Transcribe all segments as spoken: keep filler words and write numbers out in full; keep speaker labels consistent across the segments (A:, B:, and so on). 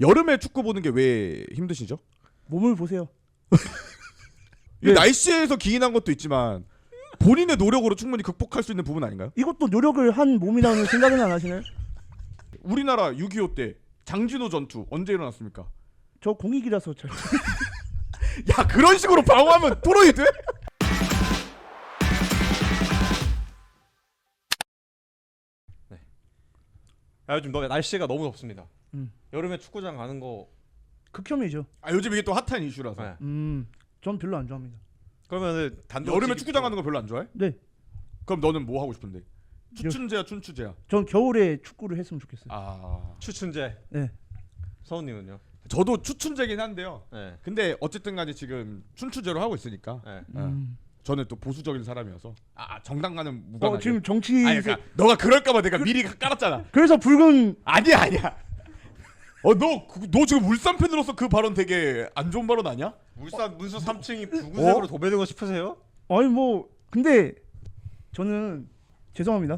A: 여름에 축구 보는 게 왜 힘드시죠?
B: 몸을 보세요.
A: 네. 날씨에서 기인한 것도 있지만 본인의 노력으로 충분히 극복할 수 있는 부분 아닌가요?
B: 이것도 노력을 한 몸이라는 생각은 안 하시나요?
A: 우리나라 육이오 때 장진호 전투 언제 일어났습니까?
B: 저 공익이라서 잘.
A: 야, 그런 식으로 방어하면 토론이 돼?
C: 네. 아, 요즘 너 날씨가 너무 덥습니다.
B: 음.
C: 여름에 축구장 가는 거.
B: 극혐이죠.
A: 아, 요즘 이게 또 핫한 이슈라서.
C: 네.
B: 음, 전 별로 안 좋아합니다.
C: 그러면은 단독
A: 여름에 축구장 가는 거 별로 안 좋아해?
B: 네,
A: 그럼 너는 뭐 하고 싶은데? 추춘제야, 춘추제야?
B: 전 겨울에 축구를 했으면 좋겠어요.
A: 아,
C: 추춘제.
B: 네,
C: 서훈님은요?
A: 저도 추춘제긴 한데요.
C: 네.
A: 근데 어쨌든 간에 지금 춘추제로 하고 있으니까
C: 네.
B: 음.
A: 저는 또 보수적인 사람이어서 아, 정당과는 무관하게.
B: 어, 지금 정치.
A: 아니, 그러니까 너가 그럴까봐 내가 미리 깔았잖아.
B: 그래서 붉은.
A: 아니야, 아니야. 어, 너, 그- 너 지금 울산 팬으로서 그 발언 되게 안 좋은 발언 아니야?
C: 울산 문서 삼 층이 붉은색으로
A: 어?
C: 도배되고 싶으세요?
B: 아니 뭐 근데 저는 죄송합니다.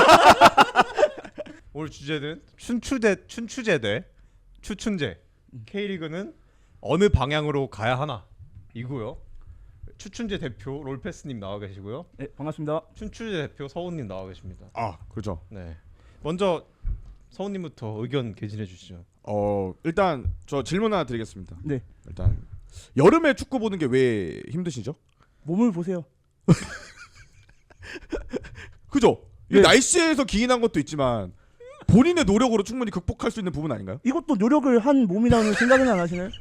C: 오늘 주제는 춘추대 춘추제대 추춘제. K리그는 어느 방향으로 가야 하나 이고요. 추춘제 대표 롤패스님 나와 계시고요.
B: 네, 반갑습니다.
C: 춘추제 대표 서훈님 나와 계십니다.
A: 아, 그렇죠.
C: 네. 먼저 서훈님부터 의견 개진해 주시죠.
A: 어, 일단 저 질문 하나 드리겠습니다.
B: 네,
A: 일단 여름에 축구 보는 게 왜 힘드시죠?
B: 몸을 보세요.
A: 그죠? 이게
B: 네.
A: 날씨에서 기인한 것도 있지만 본인의 노력으로 충분히 극복할 수 있는 부분 아닌가요?
B: 이것도 노력을 한 몸이라는 생각은 안 하시나요?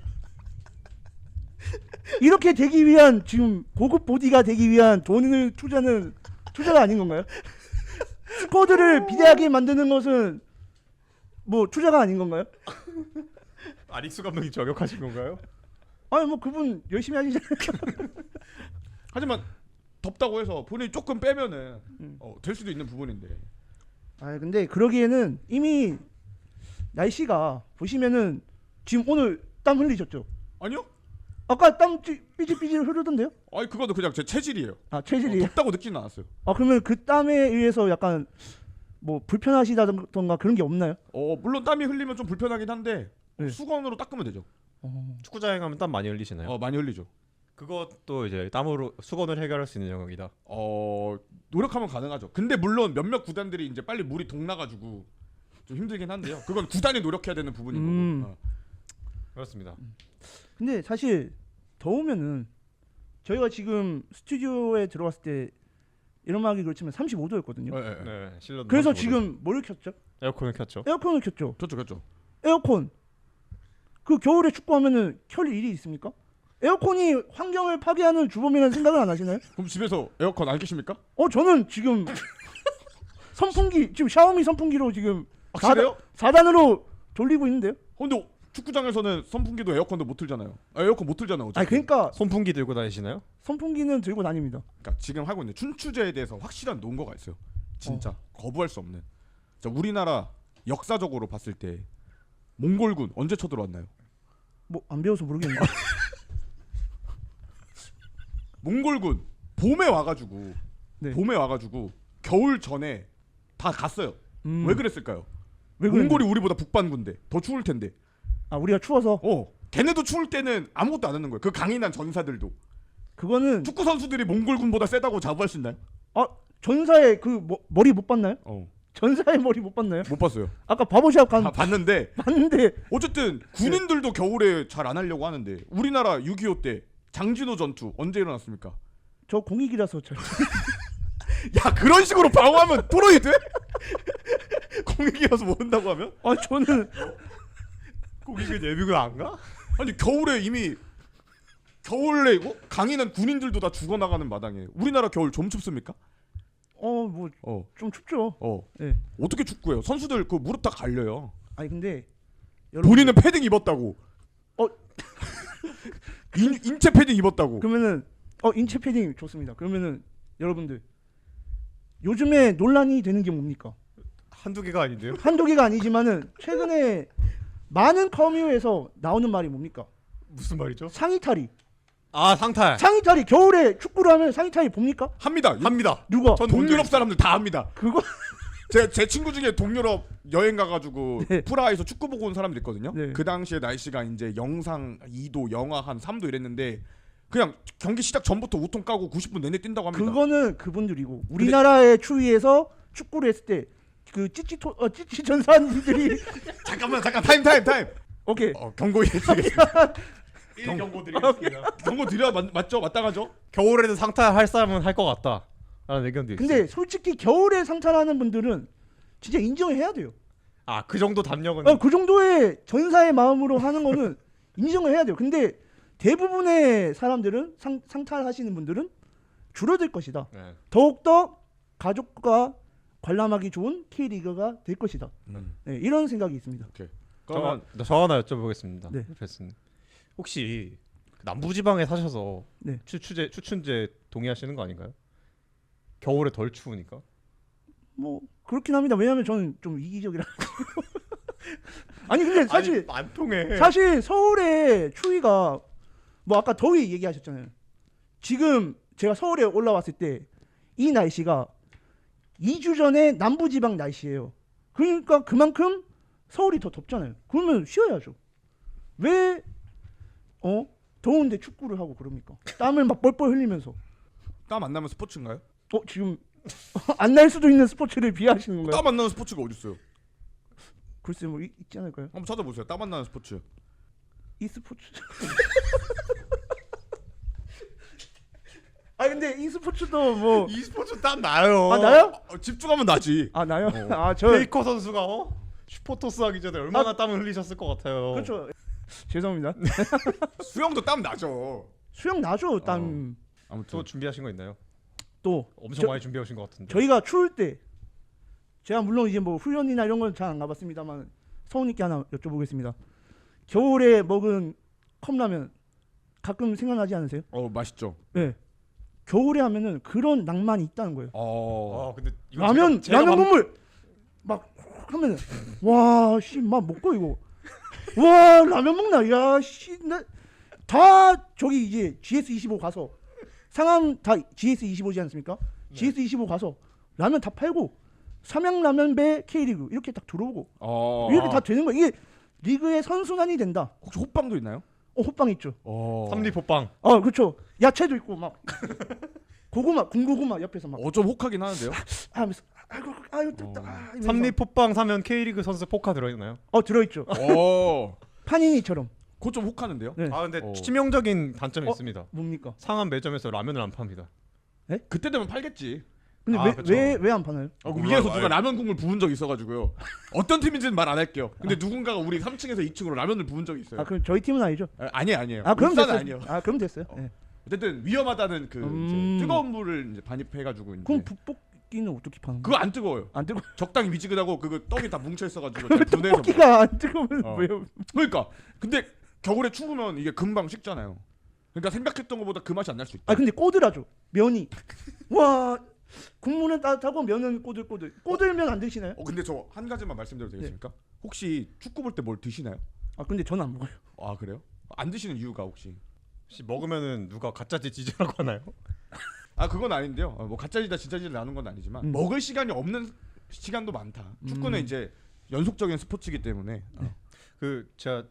B: 이렇게 되기 위한 지금 고급 보디가 되기 위한 돈을 투자는 투자가 아닌 건가요? 스쿼드를 비대하게 만드는 것은 뭐 투자가 아닌 건가요?
C: 아릭수 감독이 저격하신 건가요?
B: 아니 뭐 그분 열심히 하시잖아요.
A: 하지만 덥다고 해서 본인이 조금 빼면은
B: 음.
A: 어, 될 수도 있는 부분인데.
B: 아 근데 그러기에는 이미 날씨가 보시면은 지금 오늘 땀 흘리셨죠?
A: 아니요?
B: 아까 땀 찌- 삐질삐질 흐르던데요?
A: 아니, 그거는 그냥 제 체질이에요.
B: 아
A: 어,
B: 체질이.
A: 덥다고 느끼는 않았어요.
B: 아 그러면 그 땀에 의해서 약간 뭐 불편하시다던가 그런 게 없나요?
A: 어, 물론 땀이 흘리면 좀 불편하긴 한데
B: 네.
A: 수건으로 닦으면 되죠.
B: 어.
C: 축구장에 가면 땀 많이 흘리시나요?
A: 어, 많이 흘리죠.
C: 그것도 이제 땀으로 수건을 해결할 수 있는 영역이다.
A: 어, 노력하면 가능하죠. 근데 물론 몇몇 구단들이 이제 빨리 물이 동나가지고 좀 힘들긴 한데요. 그건 구단이 노력해야 되는 부분인
B: 음.
A: 거고. 어.
C: 그렇습니다.
B: 근데 사실 더우면은 저희가 지금 스튜디오에 들어왔을 때 이런말하기 그렇지만 삼십오 도였거든요.
A: 예, 예, 예.
C: 네, 실내.
B: 그래서 지금 뭘 켰죠?
C: 에어컨을 켰죠.
B: 에어컨을 켰죠.
A: 그렇죠, 그렇죠.
B: 에어컨. 그 겨울에 축구하면은 켤 일이 있습니까? 에어컨이 환경을 파괴하는 주범이라는 생각을 안 하시나요?
A: 그럼 집에서 에어컨 안 켜십니까?
B: 어 저는 지금 선풍기 지금 샤오미 선풍기로 지금
A: 확실해요?
B: 사 단으로 돌리고 있는데요.
A: 어, 근데 축구장에서는 선풍기도 에어컨도 못 틀잖아요. 아, 에어컨 못 틀잖아요.
B: 아 그러니까
C: 손풍기 들고 다니시나요?
B: 선풍기는 들고 다닙니다.
A: 그러니까 지금 하고 있는 춘추제에 대해서 확실한 논거가 있어요. 진짜 거부할 수 없는. 자, 우리나라 역사적으로 봤을 때 몽골군 언제 쳐들어왔나요?
B: 뭐 안 배워서 모르겠는데.
A: 몽골군 봄에 와가지고
B: 네.
A: 봄에 와가지고 겨울 전에 다 갔어요.
B: 음,
A: 왜 그랬을까요?
B: 왜 그랬는데?
A: 몽골이 우리보다 북반군데 더 추울 텐데.
B: 아 우리가 추워서
A: 어, 걔네도 추울 때는 아무것도 안 하는 거예요. 그 강인한 전사들도.
B: 그거는
A: 축구 선수들이 몽골군보다 세다고 자부할 수 있나요?
B: 아 전사의 그 머, 머리 못 봤나요?
A: 어,
B: 전사의 머리 못 봤나요?
A: 못 봤어요.
B: 아까 바보샵 간
A: 아, 봤는데
B: 봤는데
A: 어쨌든 군인들도 겨울에 잘 안 하려고 하는데 우리나라 육이오 때 장진호 전투 언제 일어났습니까?
B: 저 공익이라서 잘.
A: 야, 그런 식으로 방어하면 토론이 돼? 공익이어서 모른다고 하면?
B: 아 저는
C: 공익은 예비군 안 가?
A: 아니, 겨울에 이미 겨울에 어? 강인한 군인들도 다 죽어나가는 마당에 우리나라 겨울 좀 춥습니까?
B: 어 뭐 좀
A: 어,
B: 춥죠.
A: 어.
B: 예.
A: 어떻게 축구해요? 선수들 그 무릎 다 갈려요.
B: 아니 근데 여러분
A: 본인은 패딩 입었다고.
B: 어.
A: 인, 인체 패딩 입었다고.
B: 그러면은 어 인체 패딩 좋습니다. 그러면은 여러분들 요즘에 논란이 되는 게 뭡니까?
C: 한두 개가 아닌데요?
B: 한두 개가 아니지만은 최근에 많은 커뮤에서 나오는 말이 뭡니까?
C: 무슨 말이죠?
B: 상의탈이.
C: 아, 상탈.
B: 상의탈이 겨울에 축구를 하면 상의탈이 봅니까?
A: 합니다.
C: 합니다.
B: 누가?
C: 전
A: 동유럽 사람들 다 합니다.
B: 그거
A: 제, 제 친구 중에 동유럽 여행 가가지고
B: 네.
A: 프라하에서 축구 보고 온 사람들 있거든요.
B: 네.
A: 그 당시에 날씨가 이제 영상 이 도, 영하 한 삼 도 이랬는데 그냥 경기 시작 전부터 우통 까고 구십 분 내내 뛴다고 합니다.
B: 그거는 그분들이고 우리나라의 추위에서 축구를 했을 때 그 찌찌토 어 찌찌 전사님들이
A: 잠깐만 잠깐 타임 타임 타임.
B: 오케이
A: 어, 경고 드리겠습니다.
C: 일 경고 드리겠습니다.
A: 경고 드려 맞, 맞죠? 마땅하죠?
C: 겨울에는 상탈할 사람은 할 것 같다. 라는 의견도 있어요.
B: 근데 솔직히 겨울에 상탈하는 분들은 진짜 인정을 해야 돼요.
C: 아, 그 정도 담력은
B: 어, 그 정도의 전사의 마음으로 하는 거는 인정을 해야 돼요. 근데 대부분의 사람들은 상, 상탈하시는 분들은 줄어들 것이다.
C: 네.
B: 더욱더 가족과 관람하기 좋은 K리그가 될 것이다.
A: 음.
B: 네, 이런 생각이 있습니다.
A: 그러면
C: 저, 저 하나 여쭤보겠습니다.
B: 네.
C: 레슨님. 혹시 남부지방에 사셔서
B: 네.
C: 추추제 추춘제 동의하시는 거 아닌가요? 겨울에 덜 추우니까.
B: 뭐 그렇긴 합니다. 왜냐하면 저는 좀 이기적이라. 아니 근데 사실
C: 아니, 안 통해.
B: 사실 서울의 추위가 뭐 아까 더위 얘기하셨잖아요. 지금 제가 서울에 올라왔을 때 이 날씨가 이 주 전에 남부지방 날씨예요. 그러니까 그만큼 서울이 더 덥잖아요. 그러면 쉬어야죠. 왜 어? 더운데 축구를 하고 그럽니까? 땀을 막 뻘뻘 흘리면서.
A: 땀 안 나면 스포츠인가요?
B: 어 지금 안 날 수도 있는 스포츠를 비하하시는 건가요?
A: 땀 안 나는 스포츠가 어디 있어요?
B: 글쎄 뭐 있, 있지 않을까요?
A: 한번 찾아보세요. 땀 안 나는 스포츠.
B: 이 스포츠. 아 근데 이 스포츠도 뭐
C: 이 스포츠 땀 나요.
B: 아, 나요?
A: 어, 집중하면 나지.
B: 아 나요?
A: 어.
B: 아저
C: 페이커 선수가 어? 슈퍼토스 하기 전에 얼마나 땀을 흘리셨을 것 같아요.
B: 그렇죠. 죄송합니다.
A: 수영도 땀 나죠.
B: 수영 나죠. 땀.
A: 아무튼
C: 또 준비하신 거 있나요?
B: 또
C: 엄청
B: 저-
C: 많이 준비해 오신 것 같은데.
B: 저희가 추울 때 제가 물론 이제 뭐 훈련이나 이런 건 잘 안 가봤습니다만 서훈님께 하나 여쭤보겠습니다. 겨울에 먹은 컵라면 가끔 생각나지 않으세요?
A: 어 맛있죠.
B: 네. 겨울에 하면은 그런 낭만이 있다는 거예요.
A: 어.
C: 아, 근데 이거
B: 라면
C: 제가- 제가
B: 라면
C: 방-
B: 국물 막 하면은 와씨막 먹고 이거 와 라면 먹나 야씨다 저기 이제 지에스 이십오 가서 상암 다 지에스 이십오지 않습니까?
C: 네.
B: 지에스 이십오 가서 라면 다 팔고 삼양라면배 K리그 이렇게 딱 들어오고
A: 어.
B: 이렇게 다 되는 거야. 이게 리그의 선순환이 된다.
A: 혹시 호빵도 있나요?
B: 어 호빵 있죠.
A: 어.
C: 삼리포빵.
B: 어 그렇죠. 야채도 있고 막 고구마 군고구마 옆에서 막
A: 어좀 혹하긴 하는데요.
B: 하면서 아이고 아유 뜯다.
A: 어.
B: 아, 이러면서.
C: 삼리포빵 사면 K리그 선수 포카 들어있나요?
B: 어 들어있죠.
A: 어.
B: 파니니처럼.
A: 그거 좀 혹하는데요.
B: 네.
C: 아, 근데
A: 어.
C: 치명적인 단점이
B: 어?
C: 있습니다.
B: 뭡니까?
C: 상암 매점에서 라면을 안 팝니다.
A: 그때 되면 팔겠지.
B: 근데
C: 아,
B: 왜
C: 그쵸.
B: 왜 왜 안 파나요?
A: 어,
C: 몰라요.
A: 위에서 누가 라면 국물 부은 적 있어가지고요. 어떤 팀인지는 말 안 할게요. 근데 누군가가 우리 삼 층에서 이 층으로 라면을 부은 적이 있어요.
B: 아 그럼 저희 팀은 아니죠?
A: 아, 아니에요, 아니에요.
B: 아 그럼
A: 울산은
B: 됐어요.
A: 아니에요.
B: 아 그럼 됐어요.
A: 어.
B: 네.
A: 어쨌든 위험하다는 그
B: 음.
A: 이제 뜨거운 물을 이제 반입해가지고 이제
B: 그럼 북볶이는 어떻게 파는
A: 그거
B: 거야?
A: 안 뜨거워요.
B: 안 뜨거.
A: 적당히 미지근하고 그거 떡이 다 뭉쳐 있어가지고 잘 분해서. 먹어요.
B: 떡볶이가 안 뜨거우면
A: 어.
B: 왜요?
A: 그러니까 근데 겨울에 추우면 이게 금방 식잖아요. 그러니까 생각했던 것보다 그 맛이 안 날 수 있다.
B: 아 근데 꼬들하죠. 면이. 와 국물은 따뜻하고 면은 꼬들꼬들. 꼬들면 안 드시나요?
A: 어 근데 저 한 가지만 말씀드려도 되겠습니까? 혹시 축구 볼 때 뭘 드시나요?
B: 아 근데 저는 안 먹어요.
A: 아 그래요? 안 드시는 이유가 혹시?
C: 혹시 먹으면은 누가 가짜지 지지라고 하나요?
A: 아 그건 아닌데요. 어, 뭐 가짜지다 진짜지를 나눈 건 아니지만
B: 음.
A: 먹을 시간이 없는 시간도 많다. 축구는
B: 음.
A: 이제 연속적인 스포츠이기 때문에 어.
C: 그 제가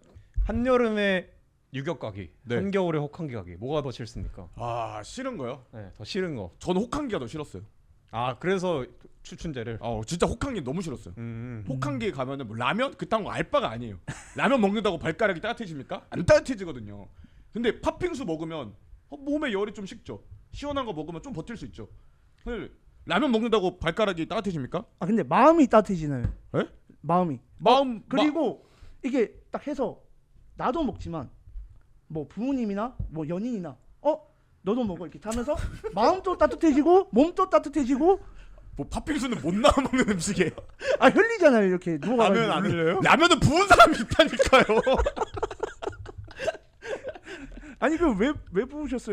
C: 한여름에 유격 가기,
A: 네.
C: 한겨울에 혹한기 가기 뭐가 더 싫습니까?
A: 아 싫은 거요?
C: 네, 더 싫은 거.
A: 저는 혹한기가 더 싫었어요.
C: 아, 그래서 추춘제를.
A: 어 진짜 혹한기 너무 싫었어요.
C: 음.
A: 혹한기 가면은 뭐 라면 그딴 거 알바가 아니에요. 라면 먹는다고 발가락이 따뜻해집니까? 안 따뜻해지거든요. 근데 팥빙수 먹으면 어, 몸에 열이 좀 식죠. 시원한 거 먹으면 좀 버틸 수 있죠. 근데 라면 먹는다고 발가락이 따뜻해집니까?
B: 아 근데 마음이 따뜻해지나요?
A: 에?
B: 마음이.
A: 마음
B: 그리고 이게 딱 해서 나도 먹지만 뭐 부모님이나 뭐 연인이나 어 너도 먹어 이렇게 하면서 마음도 따뜻해지고 몸도 따뜻해지고
A: 뭐 팥빙수는 못 나와 먹는 음식이에요.
B: 아 흘리잖아요 이렇게 누워가지고.
C: 라면 안 흘려요?
A: 라면은 부은 사람이 있다니까요.
B: 아니 그 왜 왜 부으셨어요?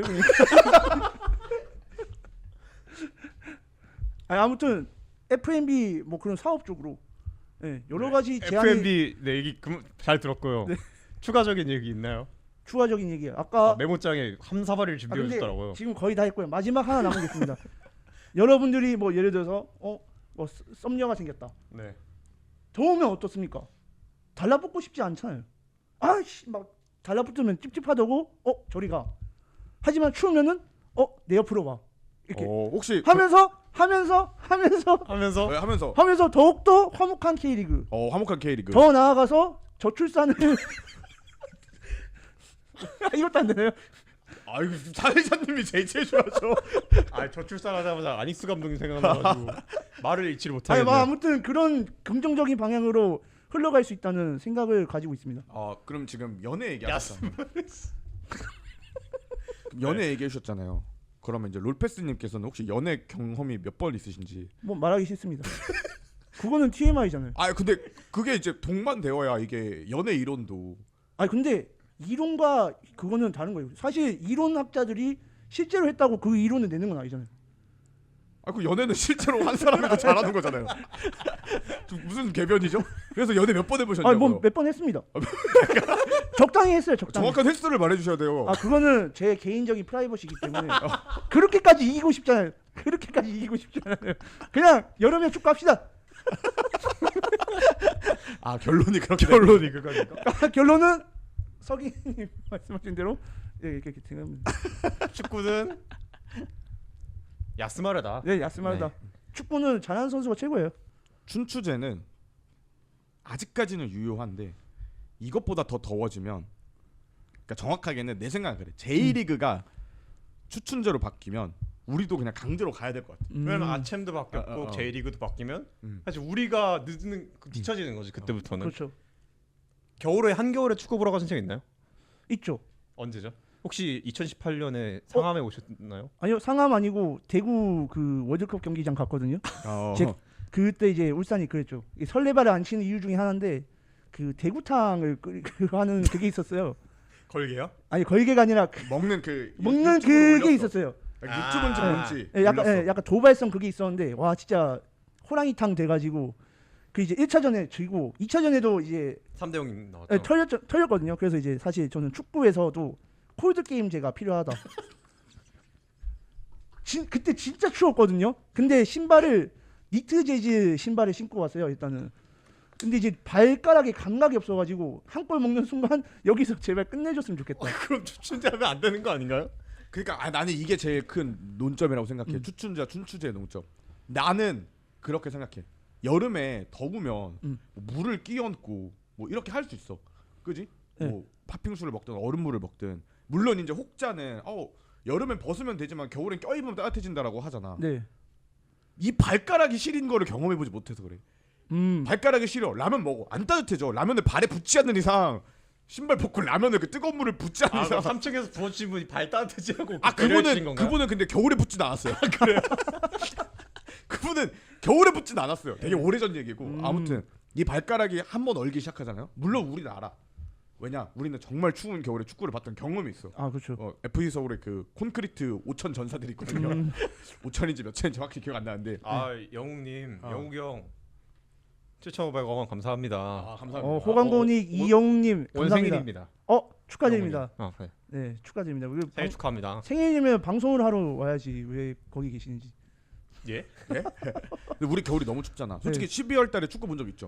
B: 아니, 아무튼 에프엠비 뭐 그런 사업 쪽으로 예, 여러 가지 제안이
C: 에프엠비 네 얘기 그, 잘 들었고요.
B: 네.
C: 추가적인 얘기 있나요?
B: 추가적인 얘기예요. 아까
C: 아, 메모장에 함사발을
B: 아,
C: 준비해
B: 근데
C: 주더라고요.
B: 지금 거의 다 했고요. 마지막 하나 남겠습니다. 여러분들이 뭐 예를 들어서 어 뭐 썸- 썸녀가 생겼다.
C: 네.
B: 더우면 어떻습니까? 달라붙고 싶지 않잖아요. 아씨 막 달라붙으면 찝찝하다고 어 저리 가. 하지만 추우면은 어 내 옆으로 와. 이렇게
A: 어, 혹시
B: 하면서 하면서 하면서
C: 하면서
A: 그, 네, 하면서
B: 하면서 더욱더 화목한 K리그.
A: 어 화목한 K리그.
B: 더 나아가서 저출산을 이것도 안 되나요?
A: 아이고 사회자님이 제일 제일 좋아하죠.
C: 아 저출산하자마자 아닉스 감독님 생각나가지고 말을 잃지를
B: 아니
C: 못하겠네.
B: 뭐 아무튼 그런 긍정적인 방향으로 흘러갈 수 있다는 생각을 가지고 있습니다.
A: 어 그럼 지금 연애
C: 야,
A: 얘기하셨잖아요. 연애 얘기하셨잖아요. 그러면 이제 롤패스님께서는 혹시 연애 경험이 몇 번 있으신지?
B: 뭐 말하기 싫습니다. 그거는 티엠아이잖아요.
A: 아 근데 그게 이제 동반되어야 이게 연애 이론도.
B: 아니 근데 이론과 그거는 다른 거예요. 사실 이론학자들이 실제로 했다고 그 이론을 내는 건 아니잖아요.
A: 아그 연애는 실제로 한 사람이 더 잘하는 거잖아요. 좀 무슨 개변이죠? 그래서 연애 몇 번 해보셨냐고요?
B: 아니 뭐 몇 번 했습니다. 적당히 했어요. 적당히.
A: 정확한 횟수를 말해주셔야 돼요.
B: 아 그거는 제 개인적인 프라이버시이기 때문에 그렇게까지 이기고 싶잖아요. 그렇게까지 이기고 싶잖아요. 그냥 여름에 축구합시다.
A: 아 결론이 그렇게
C: 결론이 그거니까.
B: 결론은 서기님 말씀하신 대로 예, 이렇게 생각합니다.
C: 축구는 야스마르다.
B: 네, 야스마르다. 축구는 잘하는 선수가 최고예요.
A: 춘추제는 아직까지는 유효한데 이것보다 더 더워지면, 그러니까 정확하게는 내 생각은 그래. 제이리그가 추춘제로 바뀌면 우리도 그냥 강제로 가야 될 것 같아.
B: 음.
C: 왜냐면 아챔도 바뀌었고
A: 어, 어, 어.
C: 제이리그도 바뀌면
A: 음.
C: 사실 우리가 늦는 뒤처지는 거지 그때부터는.
B: 그렇죠.
C: 겨울에 한겨울에 축구 보러 가신 적 있나요?
B: 있죠.
C: 언제죠? 혹시 이천십팔 년에 상암에 오셨나요?
B: 아니요, 상암 아니고 대구 그 월드컵 경기장 갔거든요.
A: 어.
B: 제- 그때 이제 울산이 그랬죠. 이 설레발을 안 치는 이유 중에 하나인데 그 대구탕을 끓이 그 하는 그게 있었어요.
C: 걸게요?
B: 아니 걸개가 아니라 그
A: 먹는 그
B: 먹는
A: 유튜브로
B: 그게
A: 올렸어.
B: 있었어요.
A: 아, 유튜브인지
C: 아.
A: 뭔지
B: 예, 약간
A: 올렸어.
B: 예, 약간 도발성 그게 있었는데 와 진짜 호랑이탕 돼가지고 그 이제 일 차전에 지고 이 차전에도 이제
C: 삼 대 영 나왔죠.
B: 예, 털렸 털렸거든요. 그래서 이제 사실 저는 축구에서도 콜드 게임제가 필요하다. 진, 그때 진짜 추웠거든요. 근데 신발을 니트 재질 신발을 신고 왔어요. 일단은. 근데 이제 발가락에 감각이 없어가지고 한 골 먹는 순간 여기서 제발 끝내줬으면 좋겠다.
C: 그럼 추춘제하면 안 되는 거 아닌가요?
A: 그러니까 아, 나는 이게 제일 큰 논점이라고 생각해.
B: 음.
A: 추춘자 춘추제의 논점. 나는 그렇게 생각해. 여름에 더우면
B: 음.
A: 뭐 물을 끼얹고 뭐 이렇게 할 수 있어. 그지?
B: 네.
A: 뭐 팥빙수를 먹든 얼음물을 먹든. 물론 이제 혹자는 어 여름엔 벗으면 되지만 겨울엔 껴입으면 따뜻해진다라고 하잖아.
B: 네.
A: 이 발가락이 시린 거를 경험해보지 못해서 그래.
B: 음.
A: 발가락이 시려. 라면 먹어. 안 따뜻해져. 라면을 발에 붙지 않는 이상, 신발 벗고 라면을 그 뜨거운 물을 붙지 않는
C: 아,
A: 이상.
C: 삼 층에서 부어주신 분이 발 따뜻해지라고
A: 아 그분은 그분은 근데 겨울에 붙진 않았어요. 그래요? 그분은 겨울에 붙진 않았어요. 되게 오래전 얘기고.
B: 음.
A: 아무튼 이 발가락이 한 번 얼기 시작하잖아요. 물론 우리는 알아. 왜냐? 우리는 정말 추운 겨울에 축구를 봤던 경험이 있어.
B: 아 그렇죠.
A: 어, 에프씨 서울에 그 콘크리트 오천 전사들이 있거든요.
B: 음.
A: 오천인지 몇 천인지 정확히 기억 안 나는데.
C: 아 영웅님,
A: 어.
C: 영웅 형 칠천오백 원 감사합니다.
A: 아 감사합니다.
B: 어, 호강보닉 이영웅님
C: 원
B: 감사합니다.
C: 생일입니다.
B: 어 축하드립니다.
C: 영웅님. 어, 네.
B: 네 축하드립니다. 우리
C: 생일
B: 방,
C: 축하합니다.
B: 생일이면 방송을 하러 와야지 왜 거기 계시는지.
C: 예?
A: 근데 우리 겨울이 너무 춥잖아. 솔직히 십이월 달에 축구 본 적 있죠?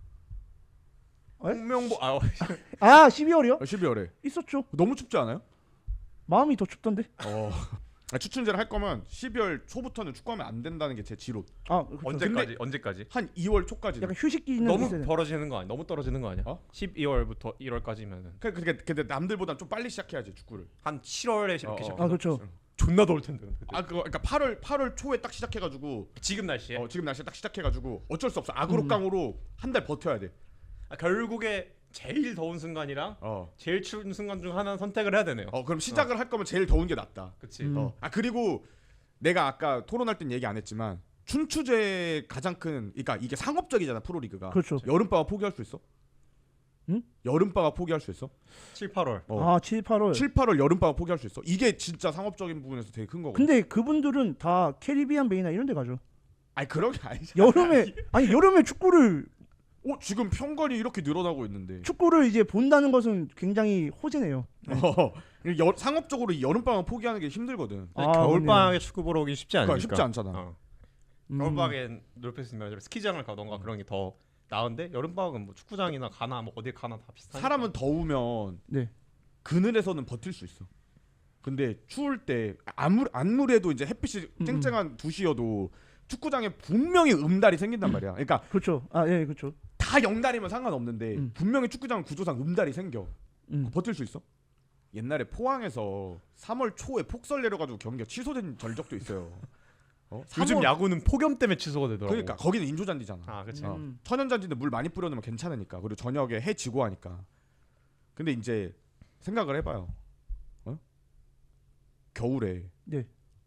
B: 에?
C: 홍명보 아
B: 아 십이월이요?
A: 십이월에
B: 있었죠.
A: 너무 춥지 않아요?
B: 마음이 더 춥던데.
A: 어. 아, 추춘제를 할 거면 십이월 초부터는 축구하면 안 된다는 게 제 지론.
B: 아 그렇죠.
C: 언제까지 언제까지?
A: 한 이월 초까지.
B: 약간 휴식기는
C: 너무
B: 있어야 돼.
C: 벌어지는 거 아니야? 너무 떨어지는 거 아니야?
A: 어?
C: 십이월부터 일월까지면은
A: 그 근데 근데 남들보다 좀 빨리 시작해야지 축구를.
C: 한 칠월에
A: 어,
C: 이렇게
A: 어.
C: 시작해서
B: 아 그렇죠.
C: 존나 더울 텐데. 근데.
A: 아 그거 그러니까 팔월 팔월 초에 딱 시작해가지고
C: 지금 날씨에
A: 어, 지금 날씨 딱 시작해가지고 어쩔 수 없어. 악으로깡으로 한 달 버텨야 돼.
C: 아, 결국에 제일 더운 순간이랑
A: 어.
C: 제일 추운 순간 중 하나는 선택을 해야 되네요.
A: 어 그럼 시작을 할 거면 제일 더운 게 낫다.
C: 그치.
B: 음.
A: 어. 아 그리고 내가 아까 토론할 땐 얘기 안 했지만 춘추제 가장 큰 그러니까 이게 상업적이잖아 프로리그가.
B: 그렇죠.
A: 여름방학 포기할 수 있어?
B: 응?
A: 여름방학 포기할 수 있어?
C: 칠, 팔월.
A: 어.
B: 아 칠, 팔월.
A: 칠, 팔월 여름방학 포기할 수 있어? 이게 진짜 상업적인 부분에서 되게 큰 거거든.
B: 근데 그분들은 다 캐리비안 베이나 이런 데 가죠.
A: 아니 그런 게 아니잖아.
B: 여름에 아니 여름에 축구를
A: 어 지금 평관이 이렇게 늘어나고 있는데.
B: 축구를 이제 본다는 것은 굉장히 호재네요.
A: 어, 여, 상업적으로 이 여름방학 포기하는 게 힘들거든.
B: 아,
C: 겨울 방학에 축구 보러 오기 쉽지
A: 그러니까
C: 않으니까.
A: 쉽지 않잖아.
C: 어.
B: 음.
C: 겨울방엔 롤패스님 말대로 스키장을 가던가 그런 게 더 나은데 여름방은 뭐 축구장이나 가나 뭐 어디 가나 다 비슷하니까.
A: 사람은 더우면
B: 네.
A: 그늘에서는 버틸 수 있어. 근데 추울 때 아무 아무래도 이제 햇빛이
B: 음,
A: 쨍쨍한 두 시여도 축구장에 분명히 음달이 생긴단 말이야. 그러니까
B: 그렇죠. 아, 예, 그렇죠.
A: 다 영달이면 상관없는데
B: 음.
A: 분명히 축구장 구조상 음달이 생겨.
B: 음.
A: 버틸 수 있어? 옛날에 포항에서 삼월 초에 폭설 내려가지고 경기가 취소된 전적도 있어요. 어?
C: 요즘
A: 삼월
C: 야구는 폭염 때문에 취소가 되더라고.
A: 그러니까 거기는 인조잔디잖아.
C: 아, 그렇지.
A: 어.
B: 음.
A: 천연잔디인데 물 많이 뿌려놓으면 괜찮으니까. 그리고 저녁에 해 지고 하니까. 근데 이제 생각을 해봐요. 어? 겨울에
B: 네.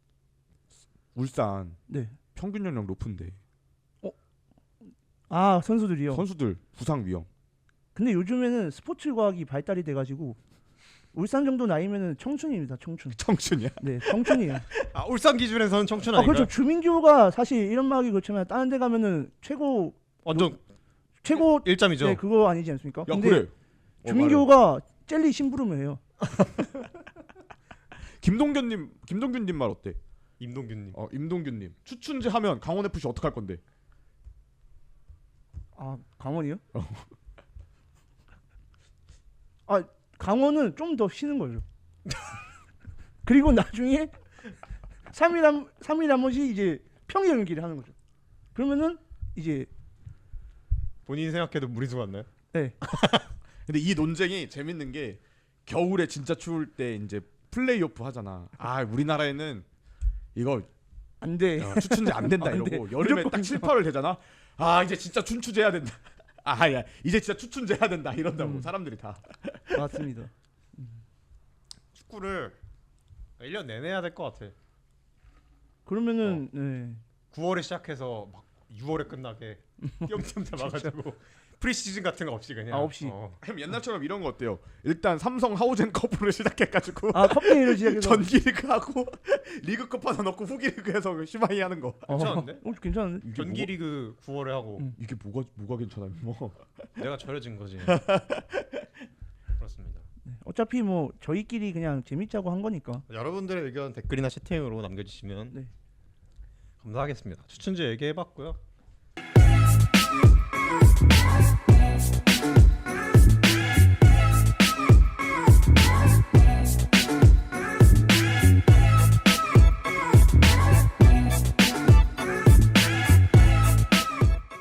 A: 울산
B: 네.
A: 평균 연령 높은데
B: 아, 선수들이요.
A: 선수들 부상 위험.
B: 근데 요즘에는 스포츠 과학이 발달이 돼 가지고 울산 정도 나이면은 청춘입니다. 청춘.
A: 청춘이야.
B: 네, 청춘이에요.
C: 아, 울산 기준에서는 청춘
B: 아,
C: 아닌가요?
B: 그렇죠. 주민규가 사실 이런 말이 그렇지만 다른 데 가면은 최고
C: 완전
B: 최고
C: 일점이죠.
B: 네, 그거 아니지 않습니까?
A: 야
B: 근데
A: 그래. 어, 말해.
B: 주민규가 젤리 심부름을 해요.
A: 김동균님 김동균님 말 어때?
C: 임동균님.
A: 어 임동균님 추춘제 하면 강원 에프씨 어떡할 건데?
B: 아, 강원이요? 아, 강원은 좀 더 쉬는 거죠. 그리고 나중에 삼 일 한 삼 일 한 번씩 이제 평일 연기를 하는 거죠. 그러면은 이제
C: 본인이 생각해도 무리수 같나요?
B: 네.
A: 근데 이 논쟁이 재밌는 게 겨울에 진짜 추울 때 이제 플레이오프 하잖아. 아 우리나라에는 이거
B: 안 돼.
A: 어, 추춘제 안 된다
B: 안
A: 이러고
B: 돼.
A: 여름에
B: 무조건
A: 딱 칠, 팔월 되잖아. 아 이제 진짜 춘추제 해야 된다. 아야 이제 진짜 추춘제 해야 된다 이런다고
B: 음.
A: 사람들이 다.
B: 맞습니다.
C: 축구를 일 년 내내 해야 될 것 같아.
B: 그러면은 네.
C: 구월에 시작해서 막 유월에 끝나게 띄엄띄엄 잡아가지고 프리시즌 같은 거 없이 그냥.
B: 아, 없이.
C: 어.
A: 그럼 옛날처럼 이런 거 어때요? 일단 삼성 하우젠 커프를 시작해가지고
B: 아, 컵게임을 시작해서
A: 전기 리그 하고 리그컵 하나 넣고 후기 리그에서 시마이 하는 거.
C: 괜찮은데?
B: 어, 괜찮은데?
A: 이게
C: 전기 리그 구월에 하고
B: 음.
A: 이게 뭐가 뭐가 괜찮아요? 뭐
C: 내가 절여진 거지. 그렇습니다.
B: 어차피 뭐 저희끼리 그냥 재밌자고 한 거니까.
C: 여러분들의 의견 댓글이나 채팅으로 남겨주시면
B: 네.
C: 감사하겠습니다. 추천제 얘기해봤고요.